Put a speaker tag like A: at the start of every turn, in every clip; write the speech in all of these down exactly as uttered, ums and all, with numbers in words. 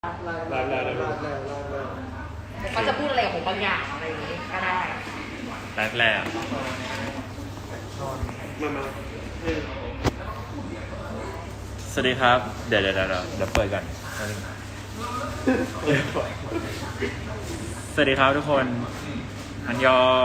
A: ไล่ไล่ไล่ไล่ไล่ไล่
B: เขาจะพูดอะไรกับผมบางอย่างอะไรอย่างนี้ก็ได้
C: แรกแรก
A: มามา
C: สวัสดีครับ เดี๋ยวเดี๋ยวเดี๋ยวเดี๋ยวเปิดก่อนสวัสดีครับทุกคนอันยอง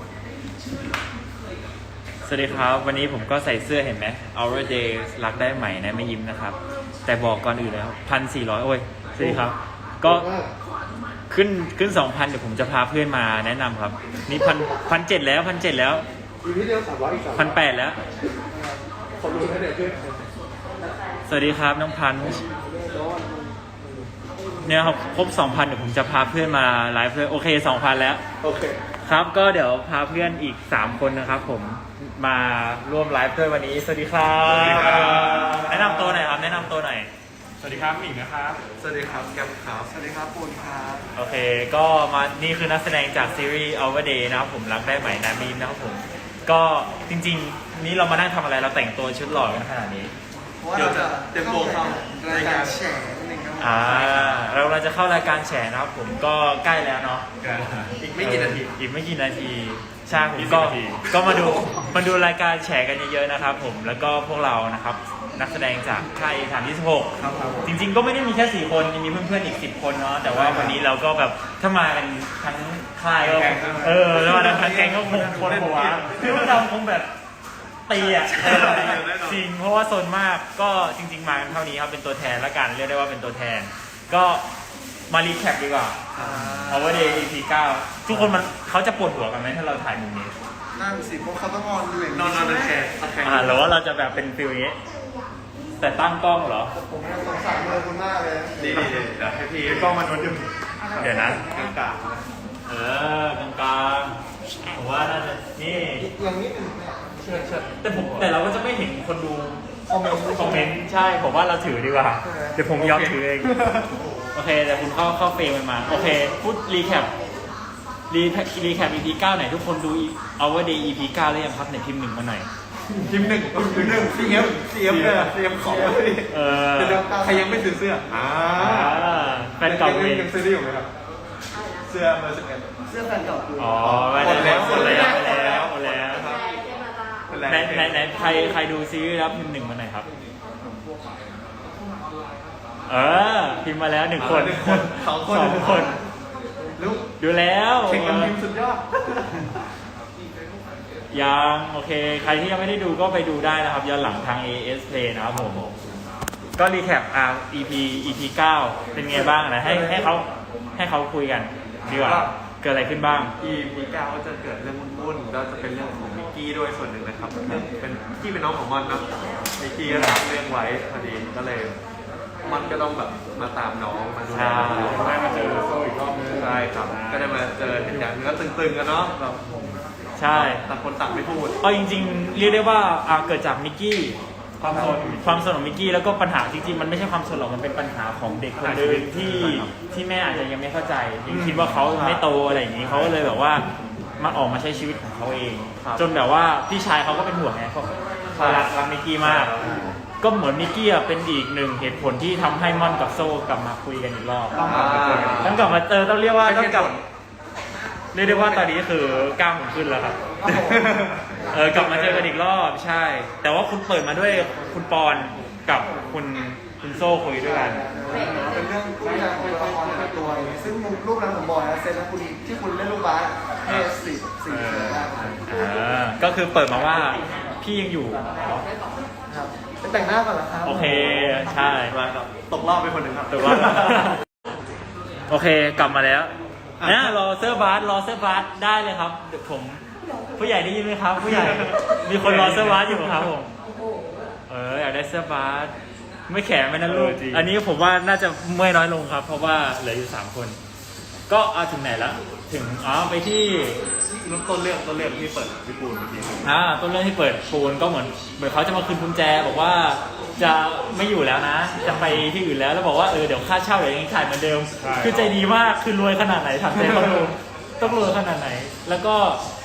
C: สวัสดีครับวันนี้ผมก็ใส่เสื้อเห็นไหม Our Day รักได้ใหม่นะไม่ยิ้มนะครับ แต่บอกก่อนอื่นแล้วพันสี่ร้อยโอ้ยสวัสดีครับ ก็ขึ้นขึ้นสองพันเดี๋ยวผมจะพาเพื่อนมาแนะนำครับ นี่พันพันเจ็ดแล้วพันเจ็ดแล้ว
A: อีกนิดเดียวสามร้อยอีกสาม
C: พันแปดแล้ว
A: ขอรู้ให้เด็กขึ้น
C: สวัสดีครับน้องพันเนี่ยครับครบสองพันเดี๋ยวผมจะพาเพื่อนมาไลฟ์เพื่อนโอเคสองพันแล้ว
A: โอเค
C: ครับก็เดี๋ยวพาเพื่อนอีกสามคนนะครับผมมาร่วมไลฟ์ด้วยวันนี้สวัสดีครับแนะนำตัวหน่อยครับแนะนำตัวหน่อยสวัสดีครับหมิงนะครับ
A: สวัสดีครับแกมครับสวัสดีครับปูนครับ
C: โอเคก็มานี่คือนักแสดงจากซีรีส์ Our Day นะครับผมรักได้ใหม่นามีนนะครับผมก็จริงๆนี้เรามานั่งทำอะไรเราแต่งตัวชุดหล่อกันขนาดนี้
A: เดี๋ยวจะเตรียมตัวเข้ารายการแฉนิดนึงครับ
C: อ่าเราเราจะเข้ารายการแฉนะครับผมก็ใกล้แล้วเนาะ
A: อีกไม่กี่นาที
C: อีกไม่กี่นาทีใช่ผมก็ก็มาดูมาดูรายการแฉกันเยอะๆนะครับผมแล้วก็พวกเรานะครับนักแสดงจากค่ายฐานที่สิบหก
A: ครับครับ
C: จริงๆก็ไม่ได้มีแค่สี่คนยังมีเพื่อนๆอีกสิบคนเนาะแต่ว่าวันนี้เราก็แบบถ้ามากันทั้งค่ายก็เออแล้วมาทั้งแก๊งก็คงคนหัวพี่ว่าเราคงแบบตีอ่ะจริงเพราะว่าโซนมากก็จริงๆมากันเท่านี้ครับเป็นตัวแทนละกันเรียกได้ว่าเป็นตัวแทน ก็มารีแคปดีกว่า Our Day อี พี เก้าทุกคนมันเขาจะปวดหัวกันไหมถ้าเราถ่ายมุมนี้
A: นั่งสิพวกเขาต้องนอนอยู่อย่างนี้นอนนอนเป็นแขกแขก
C: อ่าหรือว่าเราจะแบบเป็นฟิลอย่างนี้แต่ตั้งกล้องเหรอ
A: ผมสงสารเลยคุณมากเลยดีดีเดี๋ยวให้พี่กล้องมันมันดึง
C: เดี๋ยวนะ
A: กลางกลาง
C: เออกลางกลางๆผมว่าน่าจะนี่
A: อย่างนี้เชิญเชิญ
C: แต่ผมแต่เราก็จะไม่เห็นคนดู
A: คอมเมนต์
C: คอมเมนต์ใช่ผมว่าเราถือดีกว่า เดี๋ยวผมยอมถือเอง โอเคแต่คุณเข้าเข้าเฟรมมันมา โอเค พูดรีแคปรีรีแคป อี พี เก้าไหนทุกคนดู Our Day อี พี เก้าแล้วยังครับไหนพิมพ์หนึ่งมาหน่อย
A: ทีมหนึ่งทีมหนึ่งซีเอฟซีเอฟเลยซีเอฟของเลย
C: เออ
A: ใครยังไม่ซื้อเสื้ออ่า
C: อ่าแฟนเก่าเอง
A: ยังซื้อได้อยู่ไหมครับเสื้อเบอร์สิบเอ็ดเสื้อแฟนเก่า
C: อ๋อไม่ได้แล้วหมดแล้วหมดแล้วหมดแล้ว
A: ครับ
C: ไหนไหนไหนใครใครดูซีรีส์รับพิมพ์หนึ่งมาหน่อยครับ เออพิมพ์มาแล้วหนึ่งคน
A: หนึ่งคนสองคน
C: สองคน
A: ลูก
C: ดูแล้ว
A: เข่งกันพิมพ์สุดยอด
C: ยังโอเค ใครที่ยังไม่ได้ดูก็ไปดูได้นะครับย้อนหลังทาง เอ เอส Play นะครับผมก็รีแคปอ่า อี พี อี พี เก้าเป็นไงบ้างนะให้ให้เขาให้เขาคุยกันดีกว่าเกิดอะไรขึ้นบ้าง
D: อี พี เก้าก็จะเกิดเรื่องวุ่นๆก็จะเป็นเรื่องของมิกกี้ด้วยส่วนหนึ่งนะครับเรื่องเป็นมิกกี้เป็นน้องของมอนเนาะมิกกี้ก็รับเรื่องไว้พอดีก็เลยมอนก็ต้องแบบมาตามน้องมาดูแลน้อง
A: ได้มาเจอโซ่อีกรอบนึง
D: ใช่ครับก็ได้มาเจอเหตุการณ์ก็ตึงๆกันเนาะแบบ
C: ใช่
D: ต่างคนต่างไม่พูด
C: เอาจริงๆเรียกได้ว่าอ่าเกิดจากมิกกี้ความสนความสนของมิกกี้แล้วก็ปัญหาจริงๆมันไม่ใช่ความสนหรอกมันเป็นปัญหาของเด็กคนหนึงที่ที่แม่อาจจะยังไม่เข้าใจยังคิดว่าเขาไม่โตอะไรอย่างนี้เขาก็เลยแบบว่ามาออกมาใช้ชีวิตของเขาเอง จนแบบว่าพี่ชายเขาก็เป็นห่วงไงเขาเขารักรักมิกกี้มาก ก็เหมือนมิกกี้อ่ะเป็นอีกหนึ่งเหตุผลที่ทำให้ม่อนกับโซ่กลับมาคุยกันอีกรอบ
A: ต้องกลับมาเจอกันอีก
C: ต้องกลับมาเจอต้องเรียกว่าต้องกลับเรียกได้ว่าตอนนี้คือกล้ามผมขึ้นแล้วครับ เออกลับมาเจอกันอีกรอบใช่ แต่ว่าคุณเปิดมาด้วยคุณปอนกับคุณคุณโซ่คุยด้วยกัน
A: เป็นเรื่องรูปแบบของตัวละครแต่ละตัวอย่างนี้ซึ่งรูปนั้นผมบอกนะเซนนะคุณที่คุณเล่นลูกบาสเอสี่สี่เซนมาก
C: อ่าก็คือเปิดมาว่าพี่ยังอยู่
A: ครับไปแต่งหน้าก่อนเหรอครับ
C: โอเคใช่
D: มาครับตกรอบไปคนหนึ่งครับ
C: ถูกว่า โอเคกลับมาแล้วนะรอเสื้อบาสรอเสื้อบาสได้เลยครับเดี๋ยวผมผู้ใหญ่ได้ยินไหมครับ ผู้ใหญ่มีคนรอเสื้อบาสอยู่ครับผมเอออยากได้เสื้อบาสไม่แข็งไหมนะลูกอันนี้ผมว่าน่าจะเมื่อยน้อยลงครับ เพราะว่าเหลืออยู่สามคน ก็เอาถึงไหนแล้วถึงอ๋อไปที่
D: ต้นเรื่องต้นเรื่องที่เปิดพี่ปูนเมื่อกี้
C: อ่าต้นเรื่องที่เปิดปูนก็เหมือนเหมือนเขาจะมาคืนกุญแจบอกว่าจะไม่อยู่แล้วนะ จะไปที่อื่นแล้วแล้วบอกว่าเออเดี๋ยวค่าเช่าเดี๋ยวยังจ่ายเหมือนเดิม คือใจดีมากคือรวยขนาดไหนทำใจเขาดูต้องรวยขนาดไหน แล้วก็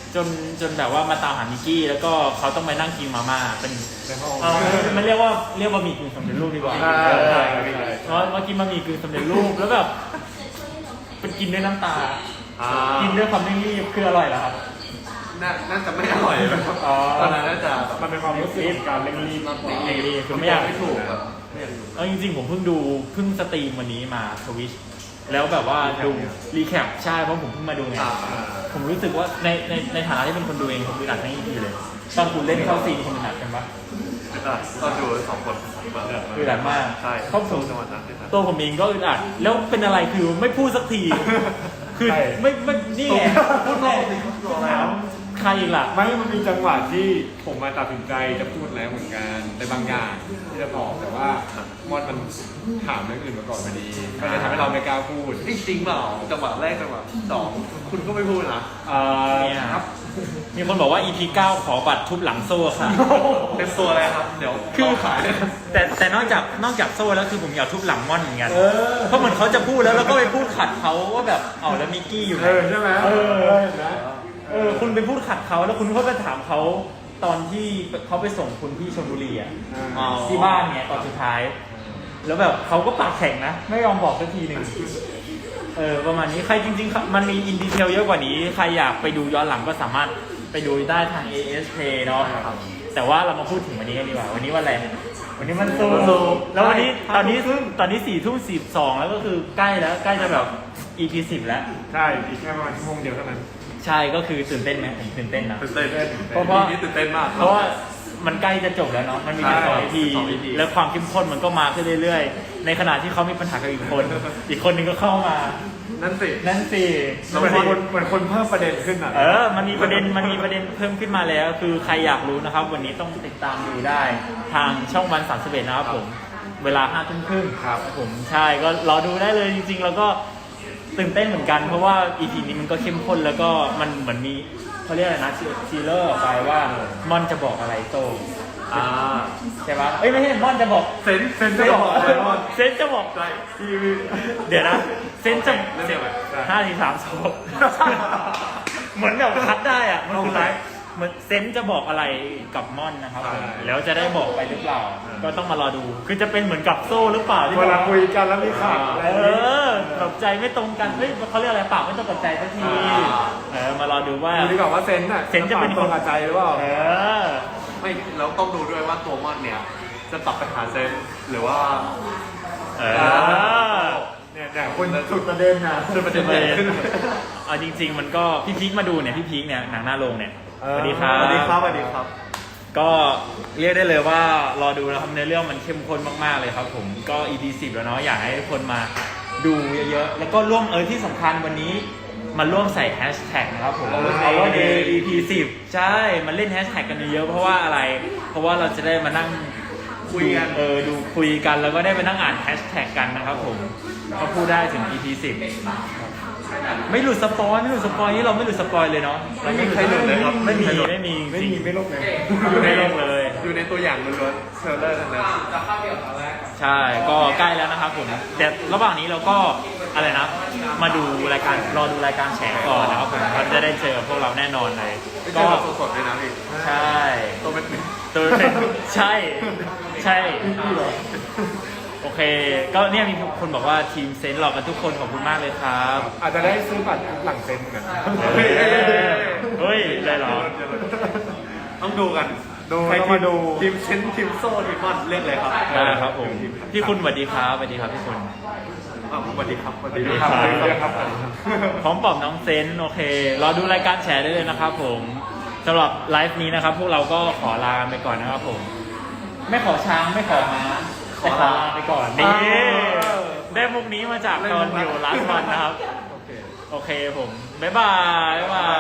C: จนจนแบบว่ามาตามหามิกกี้แล้วก็เขาต้องไปนั่งกินมาม่าเป็น
D: ในห้อง
C: เออมันเรียกว่าเรียกว่ามีกึ่งสำเร็จรูปดีกว่า
D: ใช่
C: เออ
D: ใช่
C: เพราะมากินมามีกึ่งสำเร็จรูปแล้วแบบเป็นกินด้วยน้ำตา
D: อ่า
C: กินด้วยความไม่รีบคืออร่อยเหรอครับ
D: น่าน่าจะไม่อร่อยนะครับ
C: อ๋อ
D: ตอนนั้นน่าจะแบบ
C: มันเป็นความรู้สึกของการเร่งรีบมากกว่าเร่งรีบคือไม่อยาก
D: ไม่ถูกแบบไม่อยากดู
C: เอาจริงๆผมเพิ่งดูเพิ่งสตรีมวันนี้มาทวิชแล้วแบบว่าดูรีแคปใช่เพราะผมเพิ่งมาดูไง
D: อ่า
C: ผมรู้สึกว่าในในในฐานะที่เป็นคนดูเองผมอึดอัดทั้งอีพีเลยตอนคุณเล่นเข้าซีนคุณอึดอัดกันปะ
D: อ่าก็ดูสองคนแบบ
C: อึดอัดมาก
D: ใช่
C: ครอบครัว
D: จังหวัดนั้นเลยนะ
C: ตัวผมเองก็อึดอัดแล้วเป็นอะไรคือไม่พูดสักที คือ
E: ใช่
C: ไม่ไม่นี่ไงพูดแน่ถามใครอีกล่ะ
E: ไม่มันมีจังหวะที่ผมมาตัดสินใจจะพูดแล้วเหมือนกันในบางอย่างที่จะบอกแต่ว่ามอดมันถามเรื่องอื่นมาก่อนพอดีก็เลยทำให้เราไม่กล้าพูด
D: จริงๆเปล่าจังหวะแรกจังหวะสองคุณก็ไม่พูดนะ
E: เอ่อ
C: เนี่ยครับ มีคนบอกว่า อี พี เก้าขอบัตรทุบหลังโซ่ค่ะ
D: เต็มตัวเลยครับ เดี๋ยว
C: คือ
D: ขายเลยครับ
C: แต่แต่นอกจากนอกจากโซ่แล้วคือผมอยากทุบหลังม่อนเหมือนกัน
E: เออ
C: เพราะเหมือนเขาจะพูดแล้วแล้วก็ไปพูดขัดเขาว่าแบบเอาแล้วมิกกี้อยู่ไหน
E: เออใช่ไหม
C: เออ
E: เห็นไหม
C: เออคุณไปพูดขัดเขาแล้วคุณก็ไปถามเขาตอนที่เขาไปส่งคุณที่ชลบุรีอ่ะ
E: อ่า
C: ที่บ้านเนี่ยตอนสุดท้าย แล้วแบบเขาก็ปากแข็งนะ ไม่ยอมบอกสักทีหนึ่งเออประมาณนี้ใครจริงๆมันมีอินดีเทลเยอะกว่านี้ใครอยากไปดูย้อนหลังก็สามารถไปดูได้ทาง เอ เอส Play เนาะแต่ว่าเรามาพูดถึงวันนี้กันดีกว่าวันนี้วันอะไรวันนี้มันซูแล้ววันนี้ตอนนี้ตอนนี้สี่ทุ่มสิบสองแล้วก็คือใกล้แล้วใกล้จะแบบ อี พี สิบแล้ว
E: ใช่อีกแค่ประมาณชั่วโมงเดียวเท่านั้น
C: ใช่ก็คือตื่นเต้นไหมผมตื่นเต้นนะ
D: ตื่นเต้น
C: เพราะว่า
D: นี่ตื่นเต้นมาก
C: เพราะว่ามันใกล้จะจบแล้วเนาะมันมีแค่สอง
D: ใช่
C: อีพี
D: สอง อี พี
C: แล้วความเข้มข้นมันก็มาขึ้นเรื่อยๆ ในขณะที่เขามีปัญหากับอีกคน อีกคนนึงก็เข้ามา
D: นั่นสิ
C: นั่นสิ
E: เหมือนคนเหมือนคนเพิ่มประเด็นขึ้นอ่ะ
C: เออ มันมีประเด็นมันมีประเด็นเพิ่มขึ้นมาแล้ว คือใครอยากรู้นะครับ วันนี้ต้องติดตามดูได้ ทางช่องวันสามสิบเอ็ดนะครับผมเวลาห้าทุ่มครึ่งครับผมใช่ก็รอดูได้เลยจริงๆแล้วก็ตื่นเต้นเหมือนกันเพราะว่า อี พี นี้มันก็เข้มข้นแล้วก็มันเหมือนมีเขาเรียกอะไรนะซีเลอร์ออกไปว่ามอนจะบอกอะไรโต
D: อ่า
C: ใช่ปะเอ้ยไม่ใช่มอนจะบอก
D: เซนเซนจะบอกอะไรว่า
C: เซนจะบอก
D: ใช่
C: เดี๋ยวนะเซนจะ
D: เรื่องอะไร
C: ห้าสี่สามสองเหมือนแบบคัดได้อะมันคือไลฟ์เหมือนเซนจะบอกอะไรกับม่อนนะครับผมแล้วจะได้บอกไปหรือเปล่า ก็ต้องมารอดู คือจะเป็นเหมือนกับโซ่หรือเปล่าที่
E: เว
C: บ
E: ลา
C: อก
E: คุยกันแล้วมีข่าวอะไร
C: เอ
E: นี้
C: อแบบใจไม่ตรงกันเฮ้ยเขาเรียกอะไรปากไม่ตรงกับใจสักทีเออมารอดูว่า
E: ดูดีกว่าว่าเซนน่ะ
C: เซนจะเป็น
E: ตรงกับใจหรือเปล่า
C: เออ
D: ไม่แล้วต้องดูด้วยว่าตัวมอนเนี่ย จะปรับไปหาเซนหรือว่า
C: เออ
E: เนี่ยเนี่ยคนสุดประเด็นน่ะ
D: จะประเด็นใหญ่ขึ้น
C: เอาจริง ๆ มันก็พี่พีคมาดูเนี่ยพี่พีคเนี่ยหนังหน้าโรงเนี่ย
E: เอ
C: ส
E: อ
C: วัสดีครับ
D: สวัสดีครับสวัสดีครับ
C: ก็เรียกได้เลยว่ารอดูนะครับในเรื่องมันเข้มข้นมากๆเลยครับผมก็ อี พี สิบแล้วเนาะอยากให้ทุกคนมาดูเยอะๆแล้วก็ร่วมเออที่สำคัญวันนี้มาร่วมใส่แฮชแท็กนะครับผม Our Day อี พี สิบใช่มาเล่นแฮชแท็กกันเยอะๆเพราะว่าอะไร เพราะว่าเราจะได้มานั่ง
D: คุยกัน
C: เออดูคุยกันแล้วก็ได้มานั่งอ่านแฮชแท็กกันนะครับผมก็พูดได้ถึง อี พี สิบไม่หลุดสปอยไม่หลุดสปอยนี่เราไม่หลุดสปอยเลยเนาะ
D: ไม่มีใครหลุดเลยครับ
C: ไม่มี
D: ใครหลุด
C: ไม่มี
E: ไม่
C: จริง
E: มีไม่ลบเลย
C: อยู่ในโลกเลย
D: อยู่ในตัวอย่างล้วนๆเทรลเลอร์ทั้งนั้น
C: ใช่ก็ใกล้แล้วนะครับผมแต่ระหว่างนี้เราก็อะไรนะ มาดูรายการรอดูรายการแฉก่อนนะครับผมเราจะได้เจอพวกเราแน่นอนเลย
D: ไม่
C: ก็
D: ใช่แบบสดๆด้วยนะพี่
C: ใช่
D: ตัวเป็น
C: ตัวเป็นใช่ใช่โอเค ก็เนี่ยมีคนบอกว่าทีมเซนต์หลอกกันทุกคนขอบคุณมากเลยครับ
E: อาจจะได้ซื้อบัตรหลังเซนเหมือนกัน
C: เฮ้ยเฮ้ยได้เหรอ
D: ต้องดูกัน
E: ดู
D: ใคร
E: ต้อง
D: ที
E: มาดู
D: ทีมเชนทีมโซ่ทีมมอนเลือกเลยครับ
C: ได้ครับผมพี่คุณสวัสดีครับสวัสดีครับพี่คุณ
D: อ้าวสวัสดีครับสวัสดี
C: สวัสดี
D: ค
C: ครั
D: รับ บ
E: เรียกครับ
C: พร้อมปลอบน้องเซนต์โอเค รอดูรายการแชร์ได้เลยนะครับผมสำหรับไลฟ์นี้นะครับ พวกเราก็ขอลาไปก่อนนะครับผม ไม่ขอช้างไม่ขอม้าแต่ขอลาไปก่อนนี่ได้มุกนี้มาจากตอนอยู่ลาสวันนะครับ โอเคผม บ๊ายบาย บ๊ายบาย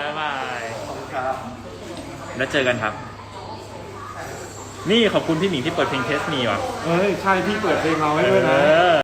C: บ๊ายบาย
D: ครับ
C: แล้วเจอกันครับ นี่ขอบคุณพี่หมิงที่เปิดเพลงเทสมีว่ะ
E: เอ้ยใช่พี่เปิดเพลงเราให้ด้วยนะ
C: เออ